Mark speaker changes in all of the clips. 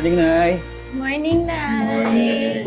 Speaker 1: Morning, Nay.
Speaker 2: Morning, Nay.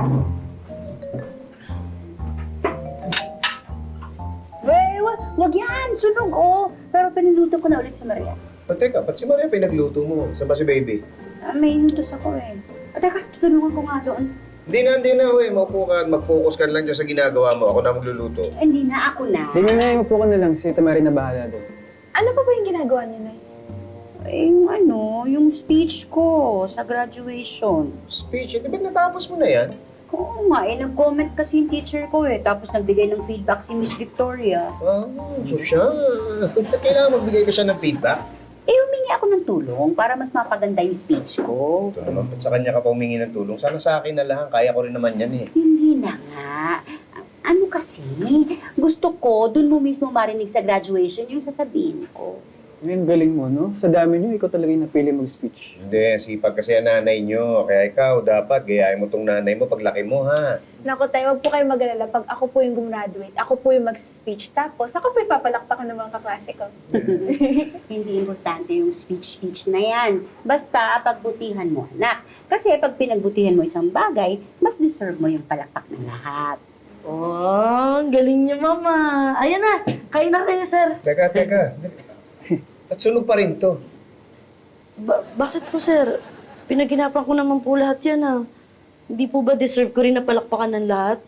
Speaker 3: Wag yan, sunog Pero piniluto ko na ulit si Maria.
Speaker 4: Teka, ba't si Maria pinagluto mo? Saan ba si baby?
Speaker 3: May inutos ako Teka, tutulungan ko nga doon.
Speaker 4: Hindi na, Maupo ka at mag-focus ka lang dyan sa ginagawa mo. Ako na magluluto.
Speaker 3: Hindi na, ako na.
Speaker 1: Hindi, Nay. Upo ka na lang. Si Tamari na bahala doon.
Speaker 2: Ano pa ba yung ginagawa niyo, Nay?
Speaker 3: Yung speech ko sa graduation.
Speaker 4: Speech, di ba natapos mo na yan?
Speaker 3: Oo nga, nag-comment kasi yung teacher ko Tapos nagbigay ng feedback si Miss Victoria.
Speaker 4: So siya. Kailangan magbigay ka siya ng feedback.
Speaker 3: Humingi ako ng tulong para mas mapaganda yung speech ko.
Speaker 4: Ito naman, sa kanya ka pa humingi ng tulong. Sana sa akin na lang. Kaya ko rin naman yan
Speaker 3: Hindi na nga. Ano kasi, gusto ko, dun mo mismo marinig sa graduation yung sasabihin ko.
Speaker 1: Ngayon, galing mo, no? Sa dami niyo, ikaw talaga yung napili mag-speech.
Speaker 4: Hindi, sipag kasi ang nanay nyo. Kaya ikaw, dapat gayahin mo tong nanay mo paglaki mo, ha?
Speaker 2: Naku, tayo, wag po kayo mag-alala. Pag ako po yung gumraduate, ako po yung mag-speech. Tapos, ako po yung papalakpakan ng mga kaklase ko.
Speaker 3: Hindi importante yung speech na yan. Basta, pagbutihan mo, anak. Kasi pag pinagbutihan mo isang bagay, mas deserve mo yung palakpak ng lahat.
Speaker 5: Oh, ang galing niyo, Mama. Ayan na, kain na kayo, sir.
Speaker 4: Teka. At sunog pa rin to.
Speaker 5: Bakit po, sir? Pinaginapan ko naman po lahat yan, ah. Hindi po ba deserve ko rin na palakpakan ng lahat?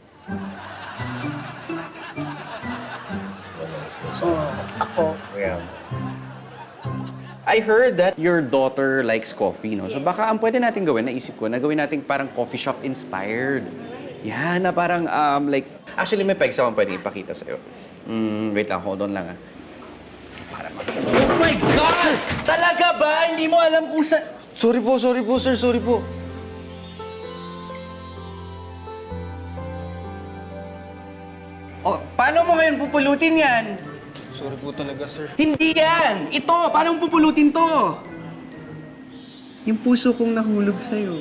Speaker 3: Ako,
Speaker 4: Kaya,
Speaker 6: I heard that your daughter likes coffee, no? So baka ang pwede natin gawin, naisip ko, na gawin natin parang coffee shop inspired. Yan, na parang, actually may pegs akong pwede ipakita sa'yo. Wait lang, hold on lang, Oh my God! Talaga ba? Hindi mo alam kung sa... Sorry po, sir, sorry po. Oh, paano mo ngayon pupulutin yan?
Speaker 1: Sorry po talaga, sir.
Speaker 6: Hindi yan! Ito! Paano mo pupulutin to? Yung puso kong nahulog sa'yo.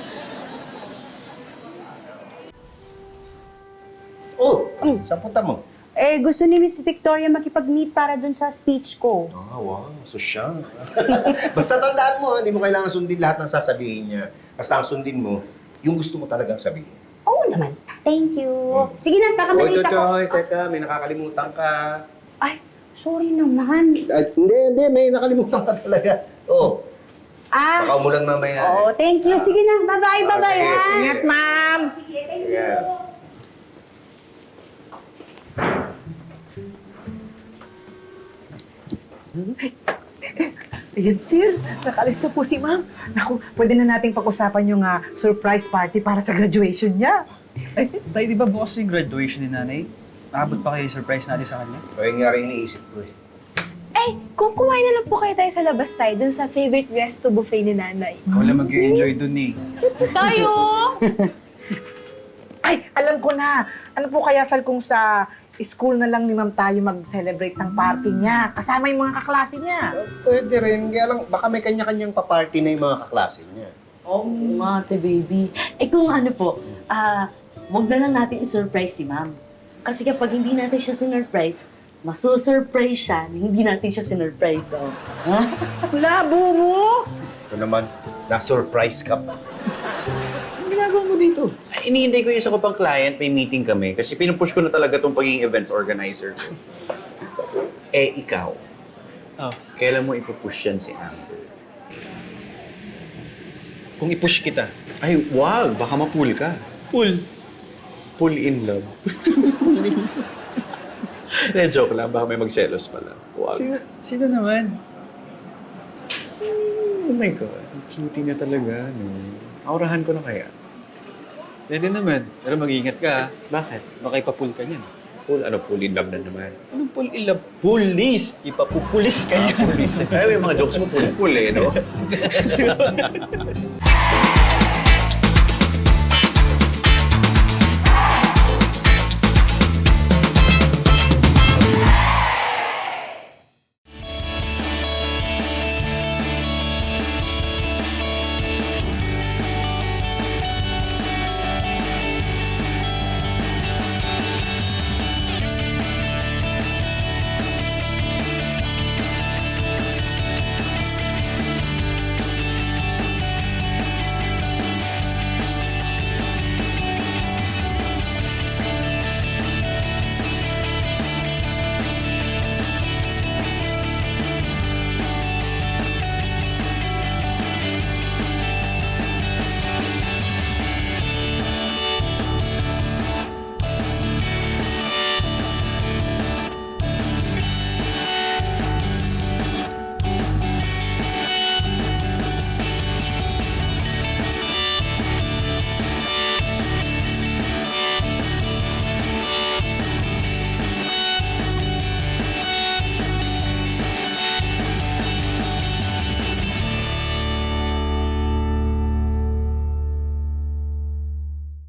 Speaker 4: oh, saan punta mo?
Speaker 3: gusto ni Miss Victoria makipag-meet para dun sa speech ko.
Speaker 4: Wow, so siya. Basta tandaan mo, hindi mo kailangan sundin lahat ng sasabihin niya. Basta ang sundin mo, yung gusto mo talagang sabihin.
Speaker 3: Oo naman. Thank you. Sige na, kakamalita ko.
Speaker 4: Oy, teka, may nakakalimutan ka.
Speaker 3: Ay, sorry naman.
Speaker 4: Hindi, may nakalimutan ka talaga. Baka umulan mamaya.
Speaker 3: Thank you. Sige na, bye-bye, bye-bye,
Speaker 4: sige,
Speaker 3: ha?
Speaker 4: sige.
Speaker 3: Ingat, ma'am.
Speaker 4: Sige. Yeah.
Speaker 7: Ayan, sir. Nakalis na po si ma'am. Naku, pwede na nating pag-usapan yung surprise party para sa graduation niya.
Speaker 1: Ay, tayo di ba bukas yung graduation ni nanay? Nakabot pa kayo yung surprise natin sa kanya?
Speaker 4: Kaya nga rin iniisip ko
Speaker 2: Kung kumain na lang po kayo tayo sa labas tayo, dun sa favorite resto buffet ni Nanay.
Speaker 1: Ikaw lang mag-enjoy dun
Speaker 2: Tayo!
Speaker 7: Ay, alam ko na. Ano po kaya, Sal, kung sa school na lang ni ma'am tayo mag-celebrate ng party niya? Kasama yung mga kaklase niya.
Speaker 4: Pwede rin. Kaya lang, baka may kanya-kanyang pa-party na yung mga kaklase niya.
Speaker 5: Oo nga, ate baby. Kung ano po, wag na lang natin i-surprise si ma'am. Kasi kapag hindi natin siya sinurprise, maso-surprise siya na hindi natin siya sinurprise.
Speaker 7: Labo mo!
Speaker 4: Ito naman, na-surprise ka pa.
Speaker 6: Anong ginagawa mo dito? Iniintay ko yung isa ko pang client, may meeting kami. Kasi pinupush ko na talaga itong pagiging events organizer. Ikaw. Kailan mo ipupush yan si Amber?
Speaker 1: Kung i-push kita.
Speaker 6: Ay, wag! Baka ma-pull ka. Pull? Pull in love. Joke lang. Baka may magselos pala. Wag.
Speaker 1: Sino naman?
Speaker 6: Oh my God. Ang cute niya talaga. No? Aurahan ko na kaya.
Speaker 1: Pwede naman. Pero mag-iingat ka, ha?
Speaker 6: Bakit?
Speaker 1: Baka ipapull ka niyan.
Speaker 6: Pull? Ano? Pull in love na naman.
Speaker 1: Anong pull in love? Police! Ipapupulis ka yan.
Speaker 6: Police. Ay, yung mga jokes mo pull-pull no?